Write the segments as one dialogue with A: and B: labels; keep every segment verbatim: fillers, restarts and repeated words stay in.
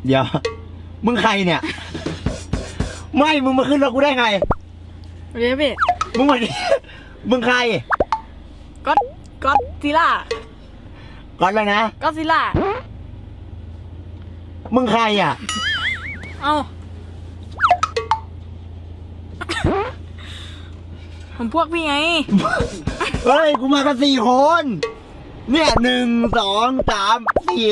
A: เดี๋ยวมึงใครเนี่ยไม่มึงมาขึ้นรถกูได้ไง
B: เรียบพี่
A: มึงมาดิมึงใคร
B: ก็ก็ซิล่า
A: ก่อนเลยนะ
B: ก็ซิล่า
A: มึงใครอ่ะ
B: เอ้าผมพวกพี่ไง
A: เฮ้ยกูมากันสี่คนเนี่ยหนึ่งสองสามสี่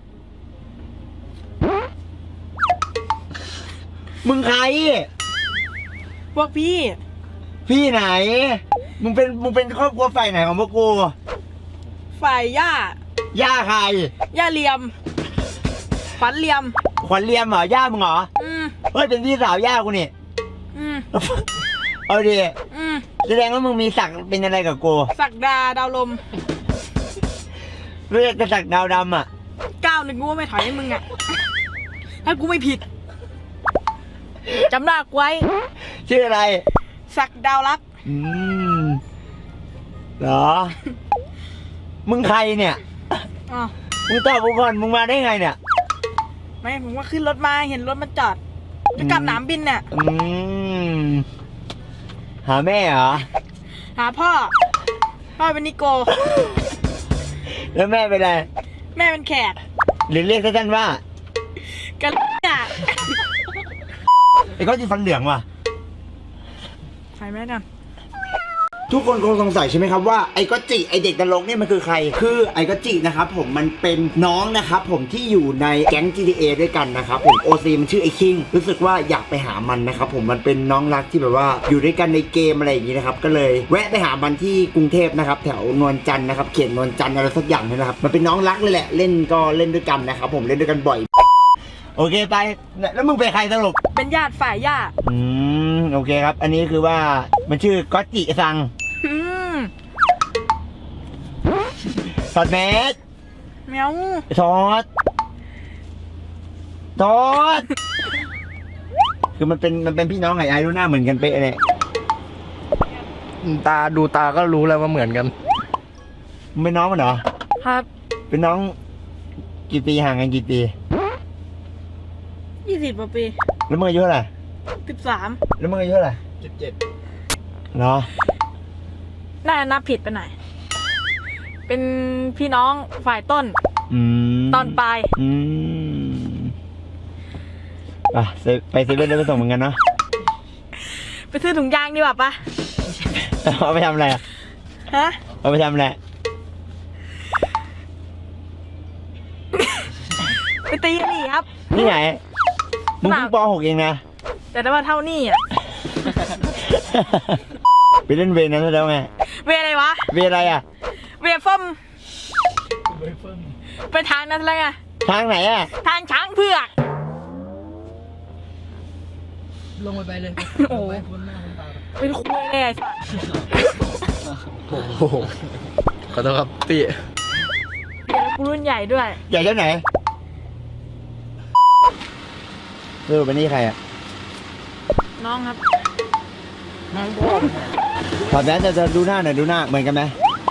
A: มึงใคร
B: พวกพี่
A: พี่ไหนมึงเป็นมึงเป็นครอบครัวฝ่ายไหนของพวกกู
B: ฝ่ายย่า
A: ย่าใคร
B: ย่าเลียมขวัญเลียม
A: ขวัญเลียมเหรอย่ามึงเหรออืมเฮ้ยเป็นพี่สาวย่ากูนี่อืมเอาดิอืมแสดงว่ามึงมีศักดิ์เป็นอะไรกับกู
B: ศักดาดาวลม
A: เรียกกระศักดาวดำอ่ะ
B: ก้าวหนึ่งกูไม่ถอยให้มึงอ่ะถ้ากูไม่ผิดจำหน้ากูไว้
A: ชื่ออะไร
B: ศักดาวรัก
A: อืมเหรอมึงใครเนี่ยอ๋อมึงตอบกูก่อนมึงมาได้ไงเนี่ย
B: ไม่ผมว่าขึ้นรถมาเห็นรถมันจอดจะกลับสนามบินเนี่ย
A: อืมหาแม่เหรอ
B: หาพ่อพ่อเป็นนิโก
A: แล้วแม่เป็นอะไร
B: แม่เป็นแขก
A: หรือเรียกสั้นๆว่า
B: กันอ่ะ
A: ไอ้ก้อนจีฟันเหลืองว่ะ
B: ใครแม่กัน
A: ทุกคนคงสงสัยใช่ไหมครับว่าไอ้ก็จิไอ้เด็กนรกเนี่ยมันคือใครคือไอ้ก็จินะครับผมมันเป็นน้องนะครับผมที่อยู่ในแก๊ง จี ที เอ ด้วยกันนะครับผม โอ ซี มันชื่อไอ้คิงรู้สึกว่าอยากไปหามันนะครับผมมันเป็นน้องรักที่แบบว่าอยู่ด้วยกันในเกมอะไรอย่างนี้นะครับก็เลยแวะไปหามันที่กรุงเทพนะครับแถวนวลจันทร์นะครับเขียนนวลจันทร์อะไรสักอย่างนี่นะครับมันเป็นน้องรักเลยแหละเล่นก็เล่นด้วยกันนะครับผมเล่นด้วยกันบ่อยโอเคไปแล้วมึงเป็นใครสรุป
B: เป็นญาติฝ่ายย่า
A: อืมโอเคครับอันนี้คือว่ามันชื่อก็จิซังถอดแมส
B: แมว
A: ถอดถอดคือมันเป็นมันเป็นพี่น้องไงไอ้ดูหน้าเหมือนกันเป๊ะเลย
C: ตาดูตาก็รู้แล้วว่าเหมือนกัน
A: มึงเป็นน้องมันเหรอ
B: ครับ
A: เป็นน้องกี่ปีห่างกันกี่ปี
B: ยี่สิบกว่าปี
A: แล้วมึงอายุเท่าไหร่
B: สิบสาม
A: แล้วมึงอายุเท่าไหร่
C: สิบเจ็ด
A: เนาะ
B: น่านับผิดไปหน่อยเป็นพี่น้องฝ่ายต้นตอนปลาย
A: อืมอ่ะไปเซเว่นได้ไปส่งเหมือนกันเนาะ
B: ไปซื้อถุงยางดีกว่าปะ
A: เอาไปทำอะไรอ่ะ
B: ฮะ
A: เอาไปทำอะไร
B: ไปตีนี่ครับ
A: นี่ไหนมึงเพิ่งป.หกเองนะ
B: แต่ได้ว่าเท่านี่อ่ะ
A: ไปเล่นเวนั้นแล้วไง
B: เวอะไรวะ
A: เวอะไรอ่ะ
B: เวฟอมไปทางนั้นเลยไง
A: ทางไหนอ่ะ
B: ทางช้างเผือก
C: ลงไปไปเลย
B: โอ้เป็นคุยเลยไอ้สัส
C: โอ้โหขอโทษครับพี่
B: เดี๋ยวกูรุ่นใหญ่ด้วย
A: ใหญ่เท่าไหนเออเป็นนี่ใครอ่ะ
B: น้องครับ
A: น้องพ่อถอดแมสจะดูหน้าหน่อยดูหน้าเหมือนกันไหม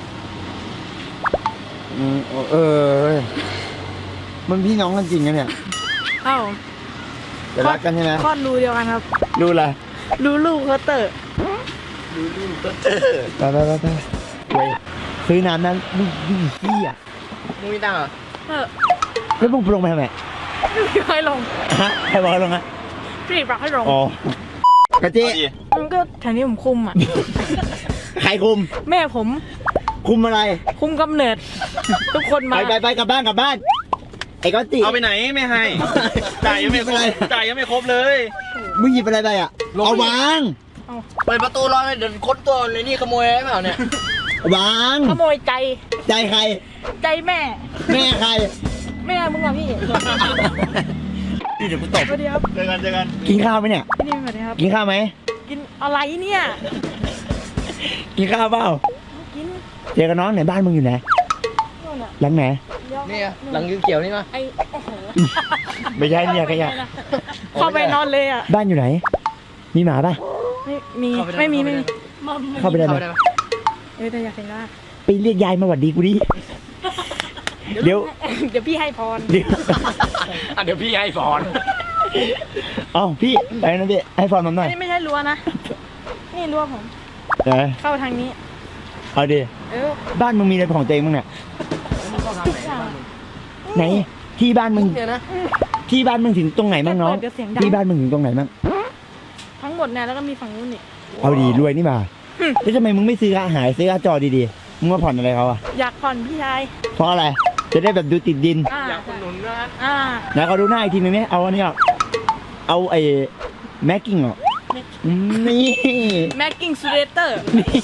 A: อืมเออมันพี่น้องกันจริงนะเนี่ย
B: เอ้า
A: จะรักกันใช่ไหม
B: คลอดรูเดียวกันครับ
A: รูอะไร
B: รูลูกเขาเตอร์
A: รูลูกเขาเตอร์ไปไปไปไปซื้อน้ำนั้นลูกยี่ขี้อ่ะ
C: มึงไม่ตังเหรอ
B: เออ
A: แล้วมึงลงไปทำไม
B: ไม่ให้ลง
A: ฮะใครบอกให้ลงอ่ะ
B: พี่บอกให้ลง
A: อ๋อกะจิ
B: มันก็แถวนี้ผมคุมอ่ะ
A: ใครคุม
B: แม่ผม
A: คุมอะไร
B: คุมกำเนิดทุกคนมา
A: ไปไปไปกลับบ้านกลับบ้านไอ้ก้อนจี
C: เอาไปไหนไม่ให้จ่ายยังไม่ครบจ่ายยังไม่ครบเลย
A: มึงหยิบอะไรไปอ่ะเอาวาง
C: เปิดประตูรอเดี๋ยวค้นตัวเลยนี่ขโมยได้เปล่าเนี่ยว
A: าง
B: ขโมยใจ
A: ใจใคร
B: ใจแม่
A: แม่ใคร
B: แม่มึงอะพี่
A: เดี๋ยวกูตบ
B: เดี๋ยว
C: เจอกันเจอกัน
A: กินข้าวไหมเนี่ย
B: นี่สวัสดีครับ
A: กินข้าวไหม
B: กินอะไรเนี่ย
A: กินข้าวเปล่า
B: กิน
A: เจอกับน้องไหนบ้านมึงอยู่ไหนหลังไหน
C: นี่หลังยืนเกี่ยวนี่มา
B: ไอ้โอ้โห
A: ไม่ใช่เนี่ยขยะ
B: เข้าไปนอนเลยอ่ะ
A: บ้านอยู่ไหนมีหมาป่ะ
B: ไม่มีไม่มีไม่มี
A: เข้าไปได้ไหม
B: เออแต่อยากเห็นว่า
A: ไปเรียกยายมาหวัดดีกูดิเดี๋ยว
B: เดี๋ยวพี่ให้พร
A: เดี๋ยว
C: อ่ะเดี๋ยวพี่ให้พร
A: เอ้าพี่ไปนะพี่ให้ฟอนผมหน่อย
B: นี่ไม่ใช่รั้วนะ นี่รั้วผม
A: เดี๋ยว
B: เข้าทางนี้
A: เอาดิ
B: เออ
A: บ้านมึงมีอะไรของตัวเองบ้างเนี่ย
B: ทุกอย่าง
A: ไหนที่บ้านมึง
C: เนี่ยนะ
A: ที่บ้านมึงถึงตรงไหนบ้างน้อง
B: เดี๋ยวเสียงดัง
A: ที่บ้านมึงถึงตรงไหนบ้าง
B: ทั้งหมดเนี่ยแล้วก็มีฝั่งนู้นอีก
A: เอาดีรวยนี่มาแล้วทำไมมึงไม่ซื้ออาหารซื้ออาจอดีๆมึงมาผ่อนอะไรเขาอะ
B: อยากผ่อนพี่ชาย
A: เพราะอะไร จะได้แบบดูติดดิน
B: อ่า
C: อยากอุดหนุนนะฮะ
B: อ่า
A: นะเขาดูหน้าอีกทีนึงเนี่ยเอาอันนี้ออกเอาไอ้แม็กกิ้งออกนี่
B: แม็กกิ้งซูเรเตอร์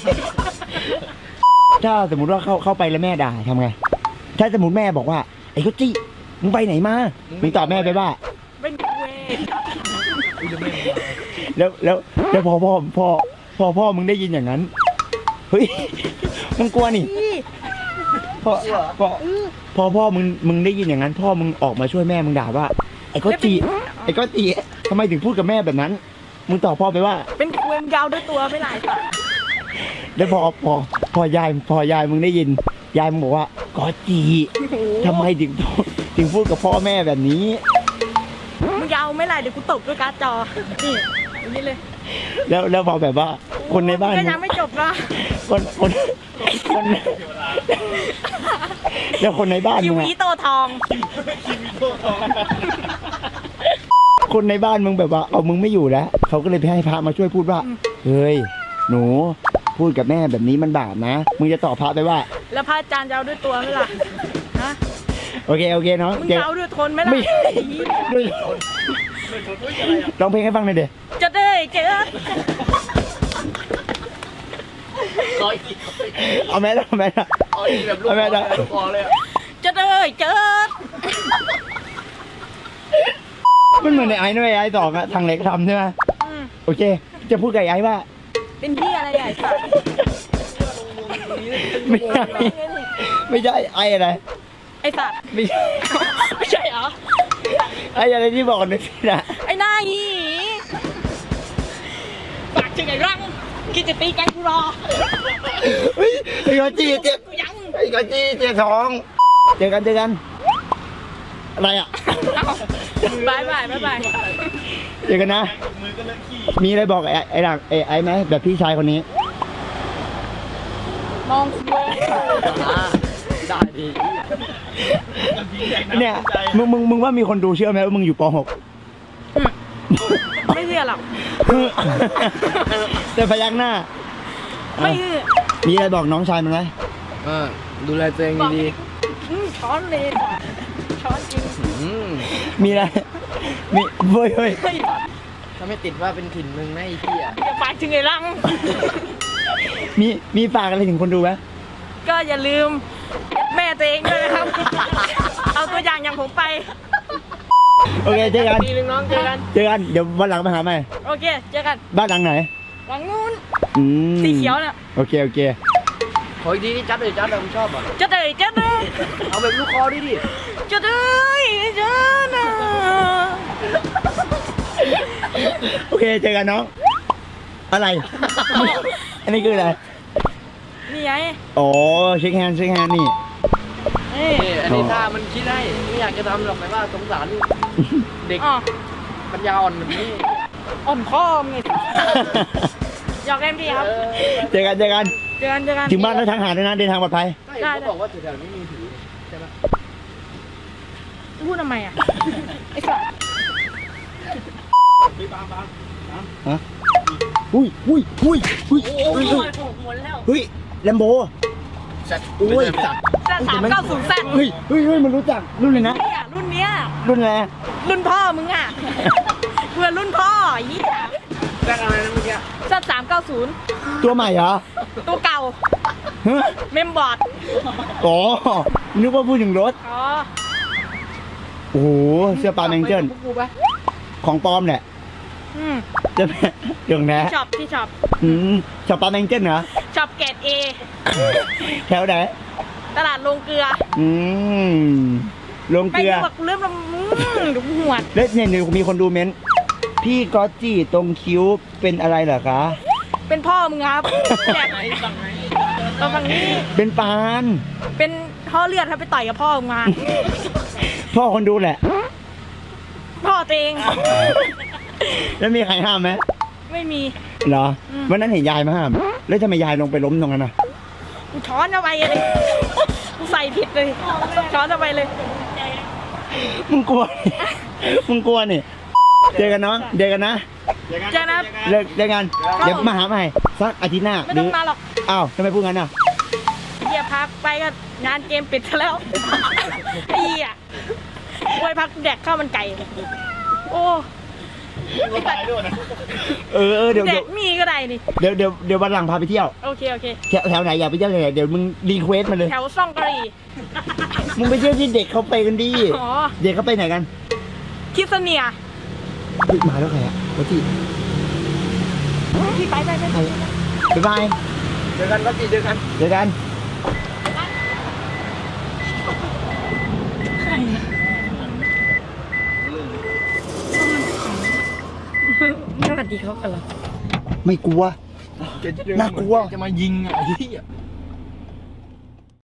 A: ถ้าสมมติว่าเข้าเข้าไปแล้วแม่ด่าทำไง ถ้าสมมติแม่บอกว่าไอ้ก็จี้มึงไปไหนมามึงตอบแม่ไปว่า
B: เป็นเวย์
A: แล้วแล้วแล้วพอพ่อพ่อพอพ่อมึงได้ยินอย่างนั้นเฮ้ยมึงกลัวนี่
B: พี่
A: พอพอพอพ่อมึงมึงได้ยินอย่างนั้น พ่อมึงออกมาช่วยแม่มึงด่าว่าไอ้ก็จีไอ้ก็จีทำไมถึงพูดกับแม่แบบนั้น มึงตอบพ่อไปว่า
B: เป็นเวงยาวด้วยตัวไม่หลายสัตว์
A: แล้วพอพอพอยายพอยายมึงได้ยิน ยายมึงบอกว่าก็จีทำไมถึงถึงพูดกับพ่อแม่แบบนี้
B: มึงยาวไม่หลายเดี๋ยวกูตบด้วยการ์ดจอ นี่อย่างนี้เลย
A: แล้วแล้วพอแบบว่าคนในบ้าน
B: ก็
A: มึง
B: ยังไม่จบนะ
A: คนคนคนแล้วคนในบ้าน
B: คิ
A: มึ
B: ว
A: ง
B: อี
A: อะ
B: โตทอง
A: คนในบ้านมึงแบบว่าเอามึงไม่อยู่แล้วเขาก็เลยไปให้พระมาช่วยพูดว่าเฮ้ยหนูพูดกับแม่แบบนี้มันบาปนะมึงจะตอบพระไปว่า
B: แล้วพระอาจารย์จะเอาด้วยตัวไหมล่ะฮะ
A: โอเคโอเคน้อง
B: มึง
A: เดี๋ยว
B: จะเอาด้วยทนไหมล่ะ
A: ไม่ด้วยร้องเพลงให้ฟังหน่อยเดี๋ยว
B: จะได้เจอ
C: ขออีกที
A: เอาแม่เอาแม่
C: ขออีกแบบลูกคอเลยลูกคอเลยอะ
B: จะได้เจอ
A: มันเหมือนในไอ้ด้วยไอ้สองอะทางเล็กทำใช่ไหม
B: อืม
A: โอเค จะพูดกับไอ้ว่า
B: เป็นที่อะไรใหญ่สัตว์
A: ไม่ใช่ไม่ใช่ไอ้อะไร
B: ไอสัตว์
A: ไม่ใช่
B: ไม่ใช่เหรอ
A: ไอ้อะไรที่บอกในพี่นะ
B: ไอ้หน้าหีปากถึงไอ้รังคิดจะตีกันกูรอ
A: เฮ้ยไอ้กอจีเจ็บ
B: กูยัง
A: ไอ้กอจีเจ็บท้องเจอกันเจอกันอะไรอ่ะ
B: บายบายบายบาย
A: เจอกันนะมีอะไรบอกไอ้ไอ้หลังไอ้ไอ้ไหมแบบพี่ชายคนนี้
B: มองคุย
C: อ่าได้ดี
A: เนี่ยมึงมึงมึงว่ามีคนดูเชื่อไหมว่ามึงอยู่ป .หก
B: ไม่เชื่อหรอก
A: แต่พยักหน้า
B: ไม่เชื่อ
A: มีอะไรบอกน้องชายมันไหม
C: เออดูแลตัวเองดี
B: อืมช้อนเลยช้อนจริง
C: ๆอืม
A: มีอะไรมีเฮ้ยเฮ้ย
B: เฮ้ย
C: ถ้าไม่ติดว่าเป็นถิ่นมึงนะไอ้เหี้ย
B: อย่าปากถึงไอ้รัง
A: มีมีฝากอะไรถึงคนดูไหม
B: ก็อย่าลืมแม่ตัวเองด้วยนะครับ เอาตัวอย่างอย่างผมไป
A: โอเคเจอกัน
C: ทีนึงน้องเจอกัน
A: เจอกันเดี๋ยววันหลังมาหาใหม่
B: โอเคเจอกัน
A: บ้านหลังไหน
B: หลังนู้น
A: อืม
B: สีเขียวน่ะ
A: โอเคโอเค
C: ขออีกทีนี่จัดเลยจัดเลยผมชอบอ่ะ
B: จะได้จะได้
C: เอาแบบลูกคอดิดิ
B: จะได้จะนะ
A: โอเคเจอกันน้องอะไร อันนี้คืออะไร
B: นี่ไง
A: อ๋อเช็คแฮนด์เช็คแฮนด์นี่
B: นี่
C: นี่อันนี้ถ้ามันคิดได้ไม่อยากจะทำหรอกแต่ว่าสงสารเด็ก
B: อ๋อ
C: ปัญญาอ่อนแบบนี้
B: อ่อนข้อมไงหยอกเอ็มดีครับ
C: เออ
A: เจอกันเจอกัน
B: เจอกันเจอกัน
A: ถึงบ้านแล้วทางหาด้วยนะเดินทางปลอดภัย
C: ใช่เขาบอกว่าแถวๆนี้มีผีใช่ไหม
B: พูดทำไมอ่ะ ไอ้สัส
A: ฮะอุ้ยอุ้ยอุ้ยอุ้ย
B: โอ้
A: อุ้ย
B: ยหมดแล้ว
A: เฮ้ยแลมโบ
C: สัตว์
A: อุ้ยสัตว์
B: แซดสามเก้าศูนย์แซด
A: เฮ้ยเฮ้ยเฮ้ยมันรู้จักรุ่นเลยนะ
B: เนี่ยรุ่นเนี้ย
A: รุ่นอะไร
B: รุ่นพ่อมึงอ่ะ เพื่อนรุ่นพ่อไอ้เหี้ย
C: แจ้งอะไรนะเมื่อกี้
B: แซดสามเก้าศูนย์
A: ตัวใหม่เหรอ
B: ตัวเก่า
A: ฮะ
B: เมมบอร์ด
A: อ๋อนึกว่าพูดถึงรถ
B: อ๋อ
A: โอ้โหเสื้อปลาแมงเจิล
C: พวกกูปะ
A: ของปลอมแหละ
B: อืม
A: จะเดี๋ยวนะ
B: ช็อปที่ช็อป
A: อืมชอบปลาแมงเจิลเหรอ
B: ช็อปเกรดเอ
A: แถวไหน
B: ตลาดลงเกลือ
A: อืมลง
B: ไป
A: เกลือ
B: ดูแบบกูเริ่มลำอืมดูหวด
A: แล้วเนี่ยเดี๋ยวมีคนดูเม้นต์พี่ก๊อตจี้ตรงคิ้วเป็นอะไรเหรอคะ
B: เป็นพ่อมึงครับแบบตรงฝั่งนี้
A: เป็นปาน
B: เป็นท่อเลือดถ้าไปต่อยกับพ่อมึงมา
A: พ่อคนดูแหละ
B: พ่อตัวเอง
A: แล้วมีใครห้ามไหม
B: ไม่มี
A: เหรอ
B: อืม
A: วันนั้นเห็นยายมาห้าม แล้วทำไมยายลงไปล้มตรงนั้นน่ะ
B: กูช้อนเอาไปเลยกูใส่ผิดเลยช้อนเอาไปเลย
A: มึงกลัว มึงกลัวนี่ เจอกันเนาะเจอกันนะ
B: เจอนะ
A: เลิกเจอกัน เดี๋ยวมาหาใหม่สักอาทิตย์หน้า
B: ไม่ต้องมาหรอก
A: อ้าวทำไมพูดงั้นอ่ะ
B: เฮียพักไปก็งานเกมปิดซะแล้วไอ้เฮียไว้พักแดกข้าวมันไก่ โอ้ไอ้สัตว์
A: เออเออเดี๋ยว
B: แด
A: เดี๋ยว
B: กมีก็ได้นี่
A: เดี๋ยวเดี๋ยวเดี๋ยววันหลังพาไปเที่ยว
B: โอเคโอเค
A: แถวแถวไหนอยากไปเที่ยวแถวไหนเดี๋ยวมึงรีเควสมาเลย
B: แถวซ่องกะหรี่
A: มึงไปเที่ยวที่เด็กเขาไปกันดี
B: อ๋อ
A: เด็กเขาไปไหนกัน
B: คิดเสเนีย
A: เฮ้ยมาแล้วใครอ่ะวัที่
B: พี่ไปไปไป
A: ใครบ๊ายบาย
C: เจอกันก็จีเจอกัน
A: เจอกัน
B: สวัสดีเขากันเหรอ
A: ไม่กลัว น่ากลัว
C: จะมายิงอ่ะไอ้เหี้ย